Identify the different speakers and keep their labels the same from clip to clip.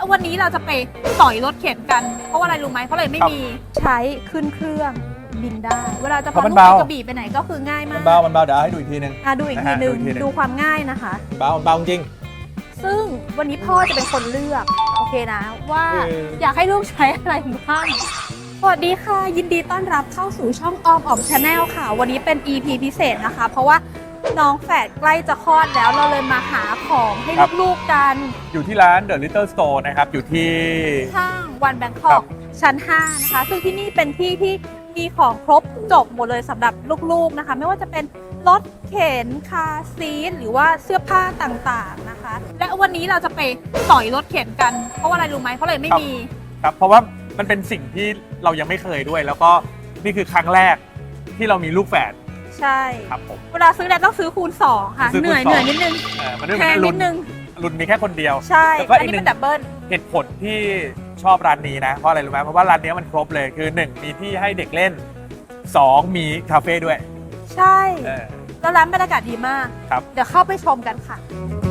Speaker 1: วันนี้เราจะไปสอยรถเข็นกันเพราะว่าอะไรรู้ไหมเพราะเลยไม่มีใช้ขึ้นเครื่องบินได้เวลาจะพาลูกไปกระบี่ไปไหนก็คือง่ายมาก
Speaker 2: มันเบาเดี๋ยวให้ดูอีกทีนึง
Speaker 1: ดูอีกทีนึงดูความง่ายนะคะ
Speaker 2: เบาจริง
Speaker 1: ซึ่งวันนี้พ่อจะเป็นคนเลือกโอเคนะว่าอยากให้ลูกใช้อะไรบ้างสวัสดีค่ะยินดีต้อนรับเข้าสู่ช่องออมชาแนลค่ะวันนี้เป็น EP พิเศษนะคะเพราะว่าน้องแฝดใกล้จะคลอดแล้วเราเลยมาหาของให้ลูกๆกัน
Speaker 2: อยู่ที่ร้าน The Little Store นะครับอยู่ที่
Speaker 1: ห้างวันแบงคอกชั้น5นะคะซึ่งที่นี่เป็นที่ที่มีของครบจบหมดเลยสำหรับลูกๆนะคะไม่ว่าจะเป็นรถเข็นคาร์ซีทหรือว่าเสื้อผ้าต่างๆนะคะและวันนี้เราจะไปสอยรถเข็นกันเพราะว่าอะไรรู้ไหมเพราะเลยไม่มี
Speaker 2: ครับเพราะว่ามันเป็นสิ่งที่เรายังไม่เคยด้วยแล้วก็นี่คือครั้งแรกที่เรามีลูกแฝด
Speaker 1: ใช่
Speaker 2: ครับผม
Speaker 1: เวลาซื้อแล้วต้องซื้อคูณ2ค่ะเหนื่อยนิดนึง
Speaker 2: แพงนิดนึงรุ่นมีแค่คนเดียว
Speaker 1: ใช่แล้วก็อีกหนึ่ง
Speaker 2: เหตุผลที่ชอบร้านนี้นะเพราะอะไรรู้ไหมเพราะว่าร้านนี้มันครบเลยคือ1มีที่ให้เด็กเล่น2มีคาเฟ่ด้วย
Speaker 1: ใช่แล้วร้านบรรยากาศดีมาก
Speaker 2: ครับ
Speaker 1: เดี๋ยวเข้าไปชมกันค่ะ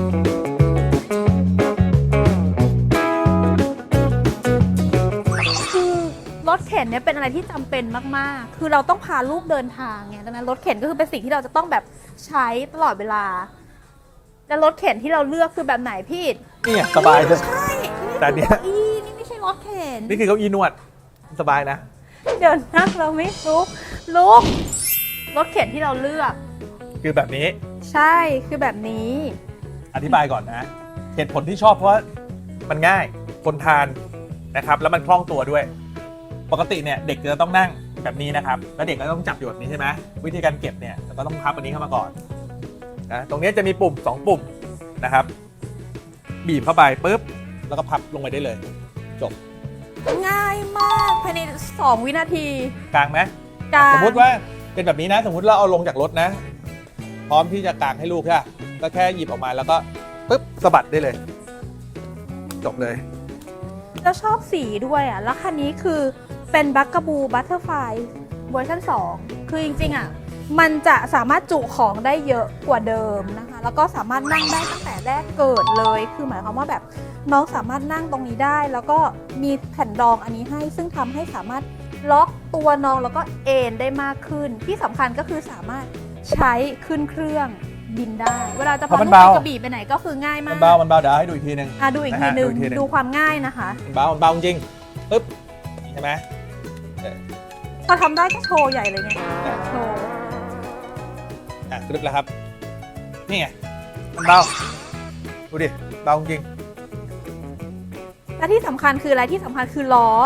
Speaker 1: คือรถเข็นเนี่ยเป็นอะไรที่จำเป็นมากๆคือเราต้องพาลูกเดินทางไงดังนั้นรถเข็นก็คือเป็นสิ่งที่เราจะต้องแบบใช้ตลอดเวลาแล้วรถเข็นที่เราเลือกคือแบบไหนพี่
Speaker 2: นี่สบายเลย
Speaker 1: ใช่
Speaker 2: แต่เนี้ย
Speaker 1: นี่ไม่ใช่รถเข็น
Speaker 2: นี่คือเก้าอี้นวดสบายนะ
Speaker 1: เดี๋ยวนั่งเราไม่ลุกรถเข็นที่เราเลือก
Speaker 2: คือแบบนี้
Speaker 1: ใช่คือแบบนี้
Speaker 2: อธิบายก่อนนะเหตุผลที่ชอบเพราะว่ามันง่ายคนทานนะครับแล้วมันคล่องตัวด้วยปกติเนี่ยเด็กจะต้องนั่งแบบนี้นะครับแล้วเด็กก็ต้องจับอยู่แบบนี้ใช่ไหมวิธีการเก็บเนี่ยเราก็ต้องพับอันนี้เข้ามาก่อนนะตรงนี้จะมีปุ่ม2ปุ่มนะครับบีบเข้าไปปุ๊บแล้วก็พับลงไปได้เลยจบ
Speaker 1: ง่ายมากภายใน2 วินาที
Speaker 2: กลางไหม
Speaker 1: กลาง
Speaker 2: สมมติว่าเป็นแบบนี้นะสมมติเราเอาลงจากรถนะพร้อมที่จะกางให้ลูกใช่ไหมก็แค่หยิบออกมาแล้วก็ปุ๊บสะบัดได้เลยจบเลย
Speaker 1: แล้วชอบสีด้วยอ่ะแล้วคันนี้คือเป็นบัคกาบูบัตเตอร์ไฟเวอร์ชัน2คือจริงๆอ่ะมันจะสามารถจุของได้เยอะกว่าเดิมนะคะแล้วก็สามารถนั่งได้ตั้งแต่แรกเกิดเลยคือหมายความว่าแบบน้องสามารถนั่งตรงนี้ได้แล้วก็มีแผ่นรองอันนี้ให้ซึ่งทำให้สามารถล็อกตัวน้องแล้วก็เอนได้มากขึ้นที่สำคัญก็คือสามารถใช้ขึ้นเครื่องบินได้เวลาจะพาลูกไปกระบี่ไปไหนก็คือง่ายมาก
Speaker 2: มันเบาเดี๋ยวให้ดูอีกทีนึง
Speaker 1: ดูอีกทีนึงดูความง่ายนะคะ
Speaker 2: เบาจริงปึ๊บใช่ไหม
Speaker 1: ก็ทำได้ก็โชว์ใหญ่เลยไงโชว์
Speaker 2: กรึบแล้วครับนี่ไงมันเบาดูดิเบาจริง
Speaker 1: และที่สำคัญคืออะไรที่สำคัญคือล้อ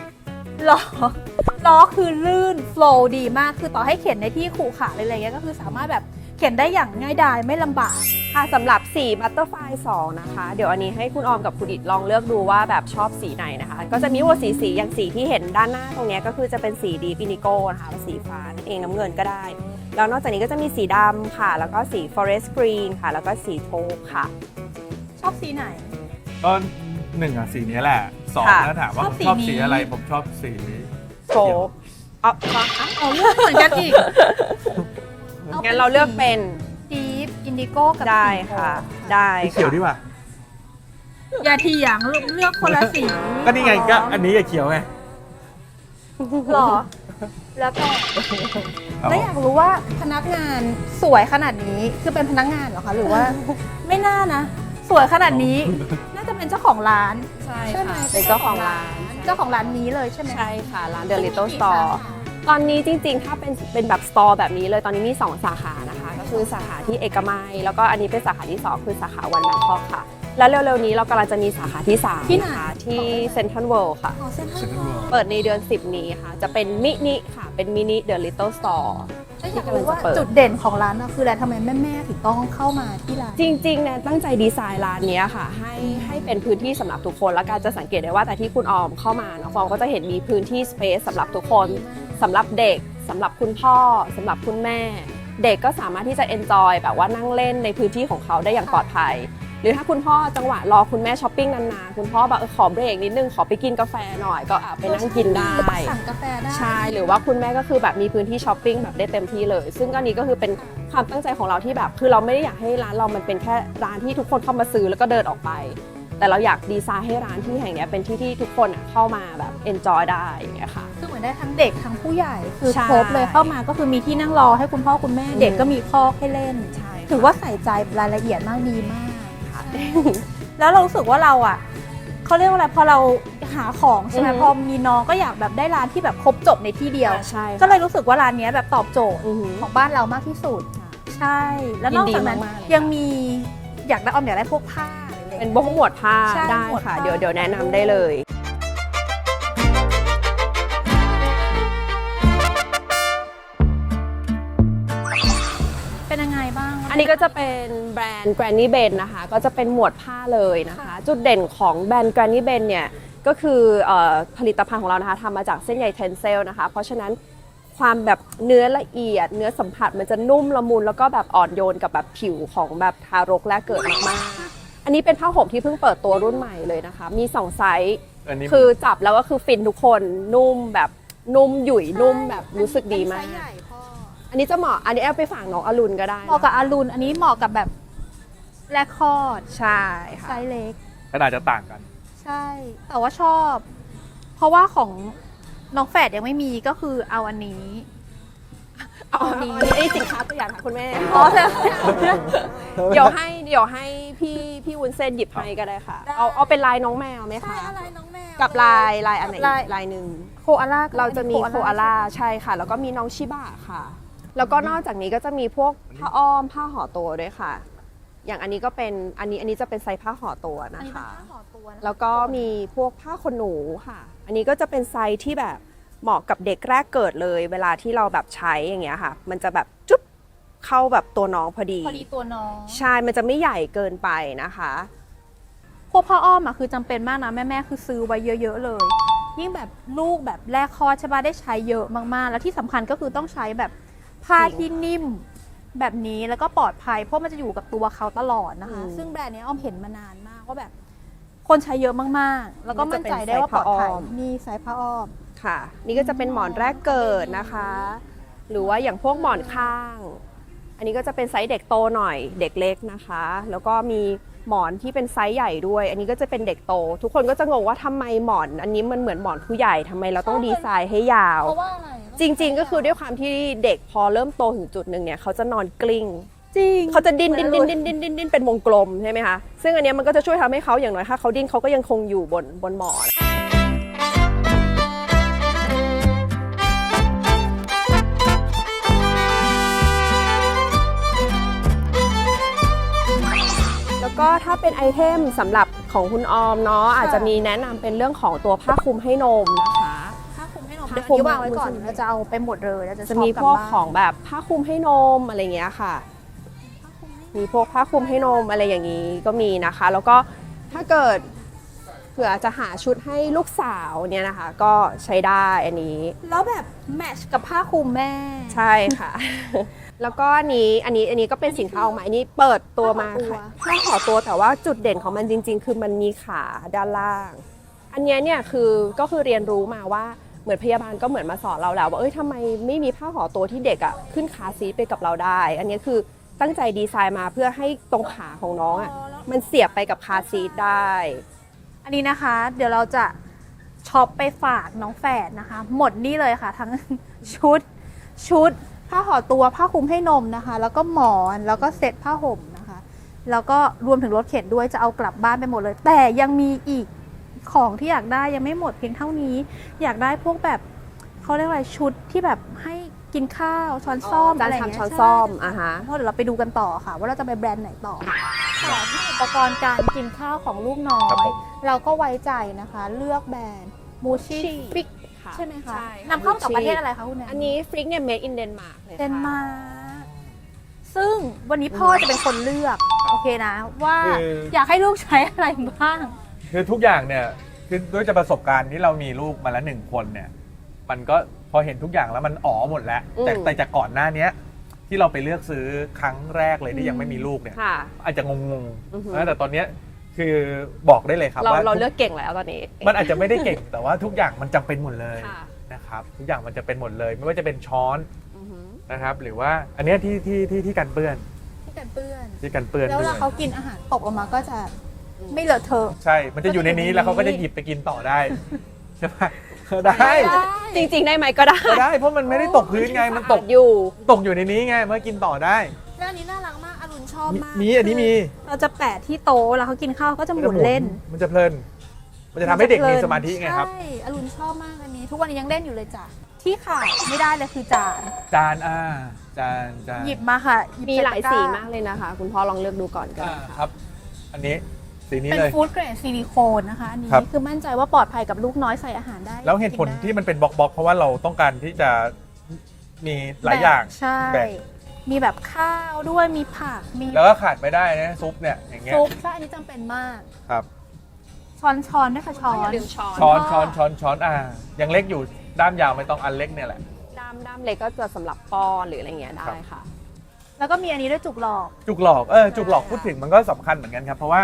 Speaker 1: คือลื่นโฟล์ดีมากคือต่อให้เข็นในที่ขรุขระอะไรอย่างเงี้ยก็คือสามารถแบบเข็นได้อย่างง่ายดายไม่ลำบาก
Speaker 3: ค่ะสำหรับสีบัตเตอร์ไฟ2นะคะเดี๋ยวอันนี้ให้คุณออมกับคุณอิดลองเลือกดูว่าแบบชอบสีไหนนะคะก็จะมีว่าสีอย่างสีที่เห็นด้านหน้าตรงนี้ก็คือจะเป็นสีดีฟินิโก้นะคะสีฟ้านั่นเองน้ำเงินก็ได้แล้วนอกจากนี้ก็จะมีสีดำค่ะแล้วก็สี forest green ค่ะแล้วก็สีโทปค่ะ
Speaker 1: ชอบสีไหน
Speaker 2: ก็1สีนี้แหละ2ถ้าถามว่าชอบสีอะไรผมชอบสี
Speaker 3: โทป
Speaker 1: เลือกเหมือนกันอีก
Speaker 3: งั้นเราเลือกเป็น
Speaker 1: ดีฟอินดิโก้กับ
Speaker 3: ได้ค่ะได้
Speaker 2: เขียวดีกว่า
Speaker 1: อย่าเถียงเลือกคนละสี
Speaker 2: ก็นี่ไงก็อันนี้อย่าเขียวไง
Speaker 1: หรอแล้วก็แล้วอยากรู้ว่าพนักงานสวยขนาดนี้คือเป็นพนักงานเหรอคะหรือว่าไม่น่านะสวยขนาดนี้น่าจะเป็นเจ้าของร้าน
Speaker 3: ใช่ไหมเป็นเจ้าของร้าน
Speaker 1: นี้เลยใช่ไหม
Speaker 3: ใช่ค่ะร้าน The Little Store ตอนนี้จริงๆถ้าเป็นแบบสตอร์แบบนี้เลยตอนนี้มี2สาขานะคะก็คือสาขาที่เอกมัยแล้วก็อันนี้เป็นสาขาที่2คือสาขาวันแบงคอกค่ะแล้วเร็วๆนี้เรากำลังจะมีสาขาที่3นะคะที่เซ็นทรัลเวิลด์ค่ะเปิดในเดือน10นี้ค่ะจะเป็นมินิค่ะเป็นมินิ The Little Store
Speaker 1: ที่กำลังจะเปิดจุดเด่นของร้านคืออะไรทำไมแม่ถึงต้องเข้ามาที่ร้าน
Speaker 3: จริงๆเนี่ยตั้งใจดีไซน์ร้านนี้ค่ะให้เป็นพื้นที่สำหรับทุกคนแล้วการจะสังเกตได้ว่าแต่ที่คุณออมเข้ามาเนาะฟองก็จะเห็นมีพื้นที่สเปซสำหรับทุกคนสำหรับเด็กสำหรับคุณพ่อสำหรับคุณแม่เด็กก็สามารถที่จะเอนจอยแบบว่านั่งเล่นในพื้นที่ของเขาได้อย่างปลอดภัยหรือถ้าคุณพ่อจังหวะรอคุณแม่ช้อปปิ้งนานๆคุณพ่อแบบขอเบรกนิดนึงขอไปกินกาแฟหน่อยก็ไปนั่งกินได้
Speaker 1: สั่งกาแฟได้
Speaker 3: ใช่หรือว่าคุณแม่ก็คือแบบมีพื้นที่ช้อปปิ้งแบบได้เต็มที่เลยซึ่งอันนี้ก็คือเป็นความตั้งใจของเราที่แบบคือเราไม่ได้อยากให้ร้านเรามันเป็นแค่ร้านที่ทุกคนเข้ามาซื้อแล้วก็เดินออกไปแต่เราอยากดีไซน์ให้ร้านที่แห่งเนี้ยเป็นที่ที่ทุกคนเข้ามาแบบเอนจอยได้อย่างเงี้ยค่ะ
Speaker 1: คือเหมือนได้ทั้งเด็กทั้งผู้ใหญ่คือ
Speaker 3: ใช่
Speaker 1: ครบเลยเข้ามาก็คือมีที่นั่งรอให้คุณพ่อคุณแม่เด็กก็มีคอกให้เล่น
Speaker 3: ใช่
Speaker 1: ถือว่าใส่ใจรายละเอียดมากดีมากค่ะ แล้วเรารู้สึกว่าเราอ่ะเขาเรียกว่าอะไรพอเราหาของใช่ไหมพอมีน้องก็อยากแบบได้ร้านที่แบบครบจบในที่เดียว
Speaker 3: ใช่
Speaker 1: ก็เลยรู้สึกว่าร้านเนี้ยแบบตอบโจทย์
Speaker 3: อือหือ
Speaker 1: ของบ้านเรามากที่สุดใช่ แล้วนอกจากนั้น
Speaker 3: ยินดีมากๆเลย
Speaker 1: ยังมีอยากได้พวกผ้าหรืออะไร
Speaker 3: เป็นพวกหมวดผ้า
Speaker 1: ใช่
Speaker 3: ได้
Speaker 1: หมวด
Speaker 3: ค่ะ
Speaker 1: ผ้า
Speaker 3: เดี๋ยวแนะนำได้เลย
Speaker 1: เป็นยังไงบ้าง
Speaker 3: อันนี้ก็จะเป็นแบรนด์ Granny Ben นะคะ ก็จะเป็นหมวดผ้าเลยนะคะ จุดเด่นของแบรนด์ Granny Ben เนี่ยก็คือผลิตภัณฑ์ของเรานะคะทำมาจากเส้นใยเทนเซลนะคะ เพราะฉะนั้นความแบบเนื้อละเอียด เนื้อสัมผัสมันจะนุ่มละมุนแล้วก็แบบอ่อนโยนกับแบบผิวของแบบทารกแรกเกิดมากๆ อันนี้เป็นผ้าห่มที่เพิ่งเปิดตัวรุ่นใหม่เลยนะคะ มี2ไซส์
Speaker 2: อันนี้
Speaker 3: คือจับแล้วก็คือฟินทุกคนนุ่มแบบนุ่มหยุ่ยนุ่มแบบรู้สึกดีมาก
Speaker 1: ไซส์ใหญ่พ่อ
Speaker 3: อันนี้จะเหมาะอันนี้เอาไปฝากน้องอรุณก็ได้
Speaker 1: เหมาะกับอารุณอันนี้เหมาะกับแบบแรกคลอด
Speaker 3: ใช่ค่ะ
Speaker 1: ไซส์เล็ก
Speaker 2: ขนาดจะต่างกัน
Speaker 1: ใช่ แต่ว่าชอบ เพราะว่าของน้องแฝดยังไม่มีก็คือเอาอันนี้
Speaker 3: เอาอันนี้สินค้าตัวอย่างค่ะคุณแม่
Speaker 1: อ๋อใช่
Speaker 3: เดี๋ยวให้พี่วุ้นเส้นหยิบให้ก็ได้ค่ะ
Speaker 1: ได้
Speaker 3: เอาเป็นลายน้องแมวไหม
Speaker 1: ใช่
Speaker 3: คะ
Speaker 1: อะไรน้องแมว
Speaker 3: กับลายอันไหน
Speaker 1: ลาย
Speaker 3: ลายหนึ่ง
Speaker 1: โคอาล่า
Speaker 3: เราจะมีโคอาล่าใช่ค่ะ แล้วก็มีน้องชิบะค่ะ แล้วก็นอกจากนี้ก็จะมีพวกผ้าอ้อมผ้าห่อตัวด้วยค่ะ อย่างอันนี้ก็เป็นอันนี้จะเป็นไซส์ผ้าห่อตัว
Speaker 1: อัน
Speaker 3: นะ
Speaker 1: นี้เป็น
Speaker 3: คะ
Speaker 1: ผ้าห่อตัวนะคะ
Speaker 3: แล้วก็มีพวกผ้าขนหนูค่ะ อันนี้ก็จะเป็นไซส์ที่แบบเหมาะกับเด็กแรกเกิดเลย เวลาที่เราแบบใช้อย่างเงี้ยค่ะ มันจะแบบจุ๊บเข้าแบบตัวน้องพอดี
Speaker 1: พอดีตัวน้อง
Speaker 3: ใช่ มันจะไม่ใหญ่เกินไปนะคะ
Speaker 1: พวกผ้าอ้อมอ่ะคือจำเป็นมากนะแม่ๆคือซื้อไว้เยอะๆเลย ยิ่งแบบลูกแบบแรกคลอดใช่ปะได้ใช้เยอะมากๆ แล้วที่สำคัญก็คือต้องใช้แบบผ้าที่นิ่มแบบนี้แล้วก็ปลอดภัยเพราะมันจะอยู่กับตัวเขาตลอดนะคะ ซึ่งแบรนด์เนี้ยอ้อมเห็นมานานมากว่าแบบคนใช้เยอะมากๆ แล้วก็มั่นใจได้ว่าปลอดภัยนี่ไซส์ผ้าอ้อม
Speaker 3: ค่ะ นี่ก็จะเป็นหมอนแรกเกิดนะคะ หรือว่าอย่างพวกหมอนข้าง อันนี้ก็จะเป็นไซส์เด็กโตหน่อยเด็กเล็กนะคะ แล้วก็มีหมอนที่เป็นไซส์ใหญ่ด้วย อันนี้ก็จะเป็นเด็กโต ทุกคนก็จะงงว่าทำไมหมอน อันนี้มันเหมือนหมอนผู้ใหญ่ทำไมเราต้องดีไซน์ให้ยาว
Speaker 1: เพราะว่าอะไร
Speaker 3: จริง ๆ ก็คือด้วยความที่เด็กพอเริ่มโตถึงจุดหนึ่งเนี่ยเขาจะนอนกลิ้ง
Speaker 1: จริง
Speaker 3: เขาจะดิ้นเป็นวงกลมใช่ไหมคะ ซึ่งอันเนี้ยมันก็จะช่วยทำให้เขาอย่างน้อยถ้าเขาดิ้นเขาก็ยังคงอยู่บนหมอน แล้วก็ถ้าเป็นไอเทมสำหรับของคุณออมเนาะอาจจะมีแนะนำเป็นเรื่องของตัวผ้าคลุมให้นมนะคะ
Speaker 1: ผ้าคลุมให้นม
Speaker 3: ผ้า
Speaker 1: เดี๋ยว
Speaker 3: คลุม
Speaker 1: นี้วางไว้ก่อนเราจะเอาไปหมดเลยเราจะ
Speaker 3: จะ
Speaker 1: ชอบ
Speaker 3: มี
Speaker 1: กลับ
Speaker 3: พวก
Speaker 1: บ้าน
Speaker 3: ของแบบผ้าคลุมให้นมอะไรเงี้ยค่ะ มีพวกผ้าคลุมให้นมอะไรอย่างนี้ก็มีนะคะ แล้วก็ถ้าเกิดเผื่อจะหาชุดให้ลูกสาวเนี่ยนะคะ ก็ใช้ได้อันนี้
Speaker 1: แล้วแบบแมทช์กับผ้าคลุมแม่
Speaker 3: ใช่ค่ะ แล้วก็อันนี้ก็เป็นสินค้าออกมาอันนี้เปิดตัวมาค่ะผ้าห่อตัวแต่ว่าจุดเด่นของมันจริง ๆ คือมันมีขาด้านล่าง อันเนี้ยเนี่ยก็คือเรียนรู้มาว่าเหมือนพยาบาลก็เหมือนมาสอนเราแล้วว่าทำไมไม่มีผ้าห่อตัวที่เด็กอ่ะขึ้นขาซีทไปกับเราได้ อันนี้คือตั้งใจดีไซน์มาเพื่อให้ตรงขาของน้องอ่ะมันเสียบไปกับคาร์ซีทได้
Speaker 1: อันนี้นะคะ เดี๋ยวเราจะช็อปไปฝากน้องแฝดนะคะ หมดนี่เลยค่ะ ทั้ง ชุดผ้าห่อตัวผ้าคลุมให้นมนะคะ แล้วก็หมอนแล้วก็เซ็ตผ้าห่มนะคะ แล้วก็รวมถึงรถเข็นด้วยจะเอากลับบ้านไปหมดเลย แต่ยังมีอีกของที่อยากได้ยังไม่หมดเพียงเท่านี้ อยากได้พวกแบบเขาเรียกอะไรชุดที่แบบให้กินข้าวช้อนซ่อม
Speaker 3: จาน
Speaker 1: อะไรอย่าง
Speaker 3: ชาม
Speaker 1: เงี้ย
Speaker 3: ช้อน
Speaker 1: ใช่
Speaker 3: ซ่อมอ่ะฮะ
Speaker 1: เพราะเดี๋ยวเราไปดูกันต่อค่ะ ว่าเราจะไปแบรนด์ไหนต่อต่อที่อุปกรณ์การกินข้าวของลูกน้อ
Speaker 2: ครับ
Speaker 1: ย
Speaker 2: ผม
Speaker 1: เราก็ไว้ใจนะคะ เลือกแบรนด์มูชิ
Speaker 3: Mushi
Speaker 1: ฟิก
Speaker 3: ค่ะ
Speaker 1: ใช่ไหมคะ
Speaker 3: ใช่
Speaker 1: นำเข้าจากประเทศอะไรคะคุณแนน
Speaker 3: อันนี้ฟริกเนี่ย made in Denmark เลยค่ะ
Speaker 1: เดนมาร์กซึ่งวันนี้พ่อจะเป็นคนเลือก โอเคนะ ว่า
Speaker 2: คือ
Speaker 1: อยากให้ลูกใช้อะไรบ้าง
Speaker 2: คือทุกอย่างเนี่ยคือด้วยจากประสบการณ์ที่เรามีลูกมาแล้วหนึ่งคนเนี่ย มันก็พอเห็นทุกอย่างแล้วมันอ๋อหมดแล้ว แต่จากก่อนหน้าเนี้ยที่เราไปเลือกซื้อครั้งแรกเลยที่ยังไม่มีลูกเนี่ย
Speaker 3: ค่ะ
Speaker 2: อาจจะงง
Speaker 3: อือฮึ
Speaker 2: ๆนะแต่ตอนเนี้ยคือบอกได้เลยครับว่า
Speaker 3: เราเลือกเก่งแล้วตอนนี้
Speaker 2: มันอาจจะไม่ได้เก่ง แต่ว่าทุกอย่างมันจำเป็นหมดเลย
Speaker 3: ค่ะ
Speaker 2: นะครับทุกอย่างมันจะเป็นหมดเลย ไม่ว่าจะเป็นช้อน
Speaker 3: อือหือ
Speaker 2: นะครับ หรือว่าอันเนี้ยที่กันเปื้อน
Speaker 1: ที่กันเปื้อน
Speaker 2: ที่กันเปื้อน
Speaker 1: แล้วเว
Speaker 2: ด้ว
Speaker 1: ลาย เขากินอาหารตกออกมาก็จะไม่เลอะเทอะ
Speaker 2: ใช่ มันจะอยู่ในนี้แล้วเขาก็จะหยิบไปกินต่อได้ใช่ไหมได้
Speaker 3: จริงๆได้ไหมก็ได้
Speaker 2: ก็ได้เพราะมันไม่ได้ตกพื้นไงมันตก
Speaker 3: อยู่
Speaker 2: ตกอยู่ในนี้ไงเมื่อกินต่อได้
Speaker 1: แล้วอันนี้น่ารักมากอรุณชอบมาก
Speaker 2: มีอันนี้มี
Speaker 1: เราจะแปะที่โต๊ะแล้วเขากินข้าวก็จะหมุนเล่น
Speaker 2: มันจะเพลิน มันจะทำให้เด็กมีสมาธิไงครับ
Speaker 1: ใช่อรุณชอบมากอันนี้ ทุกวันนี้ยังเล่นอยู่เลยจ้ะที่ขาดไม่ได้เลยคือจาน
Speaker 2: จานจาน
Speaker 1: หยิบมาค่ะยิบ
Speaker 3: มีหลาย
Speaker 1: ใตะ
Speaker 3: สี
Speaker 1: ร้
Speaker 3: มากเลยนะคะ คุณพ่อลองเลือกดูก่อนก็ได้ค่ะ
Speaker 2: ครับ อันนี้สีนี้
Speaker 1: เป็น
Speaker 2: เลย
Speaker 1: ฟู้ดเกรดซิลิโคนนะคะอันนี้
Speaker 2: ครับ
Speaker 1: คือมั่นใจว่าปลอดภัยกับลูกน้อยใส่อาหารได้
Speaker 2: แล้วเหตุผล
Speaker 1: กินได้
Speaker 2: ที่มันเป็นบล็อกๆเพราะว่าเราต้องการที่จะมีหลายอย่าง
Speaker 1: ใช่
Speaker 2: แบ่ง
Speaker 1: มีแบบข้าวด้วยมีผักมี
Speaker 2: แล้วก็ขาดไม่ได้นะซุปเนี่ยอย่างเงี้ย
Speaker 1: ซุปใช่อันนี้จำเป็นมาก
Speaker 2: ครับ
Speaker 1: ช้อนด้วยค่ะช้อ
Speaker 3: อย่าน ลืมช้อน
Speaker 2: ช้อนยังเล็กอยู่ด้ามยาวไม่ต้องอันเล็กเนี่ยแหละ
Speaker 3: ด้ามเล็กก็จะสำหรับป้อนหรืออะไรเงี้ยได้ค่ะ
Speaker 1: แล้วก็มีอันนี้ด้วยจุกหลอก
Speaker 2: จุกหลอกจุกหลอกพูดถึงมันก็สำคัญเหมือนกันครับ เพราะว่า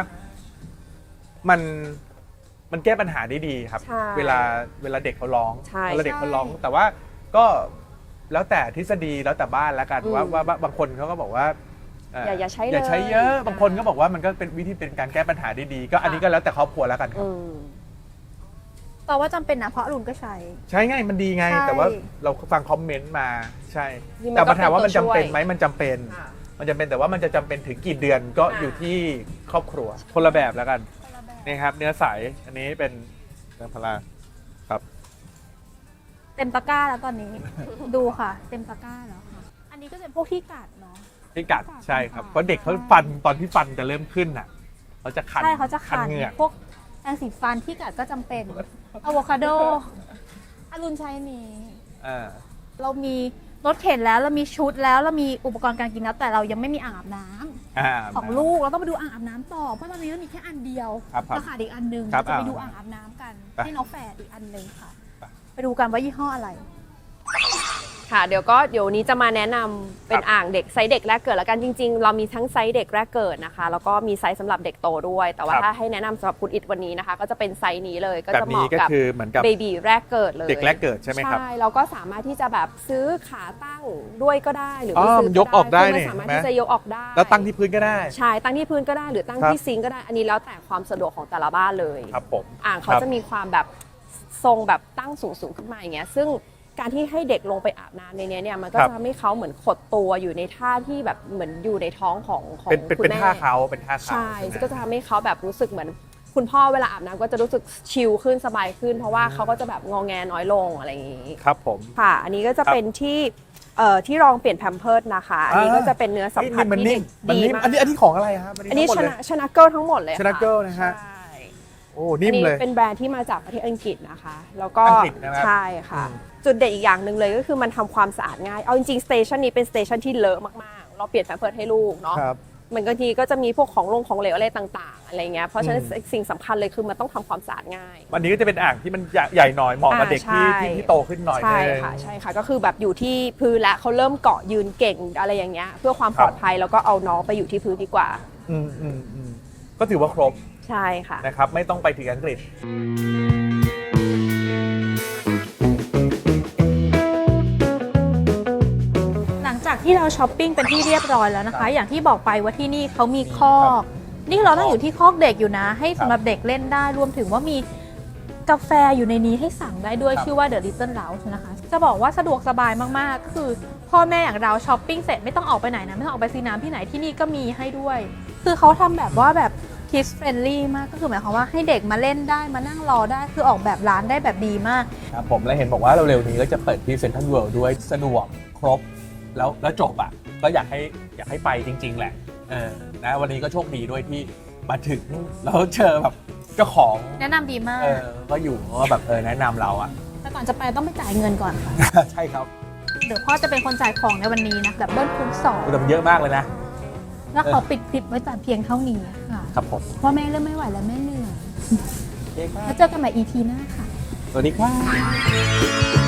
Speaker 2: มันแก้ปัญหาได้ดีครับ
Speaker 3: ใช่
Speaker 2: เวลาเด็กเขาร้อง
Speaker 3: ใช่
Speaker 2: เวลาเด็กเขาร้อง แต่ว่าก็แล้วแต่ทฤษฎีแล้วแต่บ้านแล้วกันว่าบางคนเขาก็บอกว่า
Speaker 3: อย่าใช้เลย
Speaker 2: อย่าใช้เยอะบางคนก็บอกว่ามันก็เป็นวิธีเป็นการแก้ปัญหาได้ดี ก็อันนี้ก็แล้วแต่ครอบครัวแล้วกันครับ
Speaker 1: แต่ว่าจำเป็นนะเพราะอรุณก็ใช้
Speaker 2: ใช้ง่ายมันดีไง
Speaker 1: ใช่
Speaker 2: แต่ว่าเราฟังคอมเมนต์มาใช่
Speaker 3: นี่มัน
Speaker 2: แต่
Speaker 3: ก็
Speaker 2: ปัญหาว่ามันจำเป็น
Speaker 3: เป็นตัวช่วย
Speaker 2: ไหมมันจำเป็น
Speaker 3: ค่ะ
Speaker 2: มันจำเป็นแต่ว่ามันจะจำเป็นถึงกี่เดือนก็อยู่ที่ครอบครัวคนละแบบแล้วกันนี่ครับ เนื้อใสอันนี้เป็นเนื้อพลาครับ
Speaker 1: เต็มตะกร้าแล้วตอนนี้ ดูค่ะ เต็มตะกร้าแล้วค่ะ อันนี้ก็จะเป็นพวกที่กัดเนาะ
Speaker 2: ที่กัดใช่ครับ
Speaker 1: ค่ะ
Speaker 2: เพราะเด็กเขาฟันตอนที่ฟันจะเริ่มขึ้นอ่ะเขาจะคัน
Speaker 1: ใช่เขาจะคัน
Speaker 2: เหงือก
Speaker 1: พวกแปรงสีฟันที่กัดก็จำเป็นอะโวคาโดอรุณใช้อันนี้
Speaker 2: อ่า
Speaker 1: เรามีรถเข็นแล้วเรามีชุดแล้วเรามีอุปกรณ์การกินแล้วแต่เรายังไม่มีอ่างอาบน้ำของลูกเราต้องไปดูอ่างอาบน้ำต่อเพราะตอนนี้เรามีแค่อันเดียว
Speaker 2: ครับ
Speaker 1: เราขาดอีกอันหนึง
Speaker 2: ครับ
Speaker 1: เราจะไปดูอ่างอาบน้ำกัน
Speaker 2: ไป
Speaker 1: ให้น้องแฝดอีกอันหนึงค่ะ
Speaker 2: ไป
Speaker 1: ไปดูกันว่ายี่ห้ออะไร
Speaker 3: ค่ะเดี๋ยวนี้จะมาแนะนำเป็นอ่างเด็กไซส์เด็กแรกเกิดแล้วกันจริงๆ เรามีทั้งไซส์เด็กแรกเกิดนะคะแล้วก็มีไซส์สำหรับเด็กโตด้วย แต่ว่า
Speaker 2: ครับ
Speaker 3: ถ้าให้แนะนำสำหรับคุณอิดวันนี้นะคะ ก็จะเป็นไซส์นี้เลยก็
Speaker 2: แบบ
Speaker 3: จะเห
Speaker 2: นี้
Speaker 3: มาะ
Speaker 2: ก็
Speaker 3: กับ
Speaker 2: คือเหมือนกับ
Speaker 3: เบบีแรกเกิดเลย
Speaker 2: เด็กแรกเกิดใช่ไหมครับ
Speaker 3: ใช่เราก็สามารถที่จะแบบซื้อขาตั้งด้วยก็ได้หรือ
Speaker 2: อ๋
Speaker 3: ไม่
Speaker 2: อ
Speaker 3: ซื้
Speaker 2: มันยกออกได้
Speaker 3: คื
Speaker 2: นี่
Speaker 3: มันสามารถ
Speaker 2: เห็นไหม
Speaker 3: ที่จะยกออกได้
Speaker 2: แล้วตั้งที่พื้นก็ได้
Speaker 3: ใช่ตั้งที่พื้นก็ได้หรือตั้ง
Speaker 2: ครับ
Speaker 3: ที่ซิงก์ก็ได้อันนี้แล้วแต่ความสะดวกของแต่ละบ้านเลย
Speaker 2: ครับผม
Speaker 3: อ่างเขา
Speaker 2: ครับ
Speaker 3: จะมีความแบบทรงแบบตั้งสูงขึ้นมาอย่างเงี้ยซึ่งการที่ให้เด็กลงไปอาบน้ำในเนี้ยเนี่ยมันก็
Speaker 2: ครับ
Speaker 3: จะทำให้เขาเหมือนขดตัวอยู่ในท่าที่แบบเหมือนอยู่ในท้องของ
Speaker 2: เป็น
Speaker 3: คุณ
Speaker 2: เป็น
Speaker 3: แม่
Speaker 2: ท่าเขาเป็นท่าเขา
Speaker 3: ใช่
Speaker 2: ใช่ไหม
Speaker 3: ก็จะทำให้เขาแบบรู้สึกเหมือนคุณพ่อเวลาอาบน้ำก็จะรู้สึกชิลขึ้นสบายขึ้น เพราะว่าเขาก็จะแบบงอแงน้อยลงอะไรอย่างงี้
Speaker 2: ครับผม
Speaker 3: ค่ะ อันนี้ก็จะเป็นที่รองเปลี่ยนแพมเพิร์ดนะคะอันนี้ก็จะเป็นเนื้อสัมผัส
Speaker 2: มัน
Speaker 3: ที่
Speaker 2: นิ่
Speaker 3: เด็
Speaker 2: ม
Speaker 3: ก
Speaker 2: มัน
Speaker 3: ดี
Speaker 2: นิ่ม
Speaker 3: มาก
Speaker 2: อันนี้ของอะไรครับ
Speaker 3: อันนี้
Speaker 2: ทั้งหมดเลย
Speaker 3: ชนะเกิลทั้งหมดเลย
Speaker 2: ชนะเกิลนะฮะ
Speaker 3: ใช่
Speaker 2: โอ้นิ่มเลย
Speaker 3: อันนี้เป็นแบรนด์ที่มาจากประเทศอังกฤษนะคะ แล้วก็
Speaker 2: อังกฤษนะครับ
Speaker 3: ใช่ค่ะ จุดเด่นอีกอย่างหนึ่งเลยก็คือมันทำความสะอาดง่าย เอาจริงๆสเตชันนี้เป็นสเตชันที่เลอะมากๆ เราเปลี่ยนแพมเพิร์สให้ลูกเนาะ
Speaker 2: ครับ
Speaker 3: มันบางทีก็จะมีพวกของเหลวอะไรต่างๆ อะไรเงี้ย เพราะฉะนั้นสิ่งสำคัญเลยคือมันต้องทำความสะอาดง่าย
Speaker 2: อันนี้ก็จะเป็นอ่างที่มันใหญ่หน่อยเหมาะกับเด็กที่
Speaker 3: ใช่
Speaker 2: ที่โตขึ้นหน่อย
Speaker 3: ใช่
Speaker 2: นึง
Speaker 3: ค่ะใช่ค่ะ ก็คือแบบอยู่ที่พื้นแล้วเขาเริ่มเกาะยืนเก่งอะไรอย่างเงี้ย เพื่อความปลอดภัยแล้วก็เอาน้องไปอยู่ที่พื้นดีกว่า
Speaker 2: อืมก็ถือว่าครบ
Speaker 3: ใช่ค่ะ
Speaker 2: นะครับ ไม่ต้องไปถึงอังกฤษ
Speaker 1: หลังจากที่เราช้อปปิ้งเป็นที่เรียบร้อยแล้วนะคะ อย่างที่บอกไปว่าที่นี่เขามีคอก นี่เราต้องอยู่ที่คอกเด็กอยู่นะ ให้สำหรับเด็กเล่นได้รวมถึงว่ามีกาแฟอยู่ในนี้ให้สั่งได้ด้วย
Speaker 2: ครับ
Speaker 1: ชื่อว่า The Little Lounge นะคะ จะบอกว่าสะดวกสบายมากๆ คือพ่อแม่อย่างเราช้อปปิ้งเสร็จไม่ต้องออกไปไหนนะ ไม่ต้องออกไปซื้อน้ำที่ไหนที่นี่ก็มีให้ด้วย คือเขาทำแบบว่าแบบ kids friendly มากก็คือหมายความว่าให้เด็กมาเล่นได้มานั่งรอได้คือออกแบบร้านได้แบบดีมาก
Speaker 2: ครับผมและเห็นบอกว่าเร็วๆนี้ก็จะเปิดที่เซ็นทรัลเวิลด์ด้วยสะดวกครบแล้วจบอ่ะก็อยากให้ไปจริง ๆ แหละนะวันนี้ก็โชคดีด้วยที่มาถึงแล้วเจอแบบเจ้าของ
Speaker 1: แนะนำดีมาก
Speaker 2: ก็อยู่ก็แบบแนะนำเราอ่ะ
Speaker 1: แต่ก่อนจะไปต้องไปจ่ายเงินก่อนค่ะ
Speaker 2: ใช่ครับ
Speaker 1: เดี๋ยวพ่อจะเป็นคนจ่ายของในวันนี้นะแบบเบิ้ลคูณสอง
Speaker 2: แต่มันเยอะมากเลยนะ
Speaker 1: แล้วขอปิดคลิปไว้แต่เพียงเท่านี้ค่ะ
Speaker 2: ครับผม
Speaker 1: เพราะแม่เริ่มไม่ไหวแล้วแม่เหนื่อย
Speaker 2: โอเคครั
Speaker 1: แล้
Speaker 2: บ
Speaker 1: วเจอกันใหม่ EP หน้าค่ะ
Speaker 2: สวัสดีครับ